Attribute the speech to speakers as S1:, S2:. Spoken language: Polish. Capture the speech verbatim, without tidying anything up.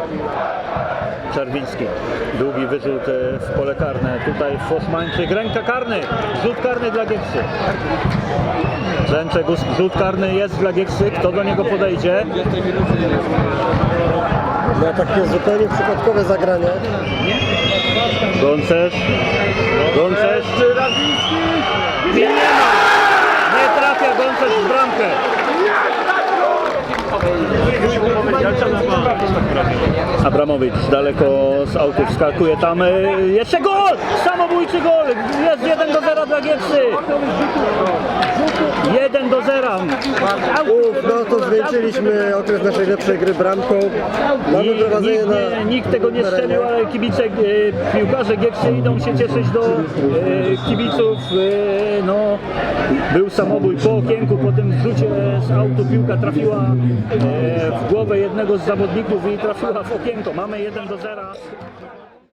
S1: Czerwiński. Długi wyrzut w pole karne. Tutaj Foszmańczyk. Ręka karny. Rzut karny dla Gieksy. Brzęczek, rzut karny jest dla Gieksy. Kto do niego podejdzie?
S2: Na takie zupełnie przypadkowe zagranie.
S1: Goncerz. Goncerz. Nie ma! Nie trafia Goncerz w bramkę. Abramowicz daleko z autu wskakuje tam. Jeszcze gol! Samobójczy gol! Jest jeden do zera dla Gieksy. jeden do zera.
S2: Uf, no to zwieńczyliśmy okres naszej lepszej gry bramką. Mamy
S1: Nikt,
S2: prowadzenie
S1: nikt,
S2: na...
S1: nie, nikt tego nie strzelił, ale kibice, e, piłkarze Gieksy idą się cieszyć do e, kibiców. E, no, był samobój po okienku, po tym rzucie z autu piłka trafiła e, w głowę jednego z zawodników i trafiła w okienko. Mamy jeden do zera.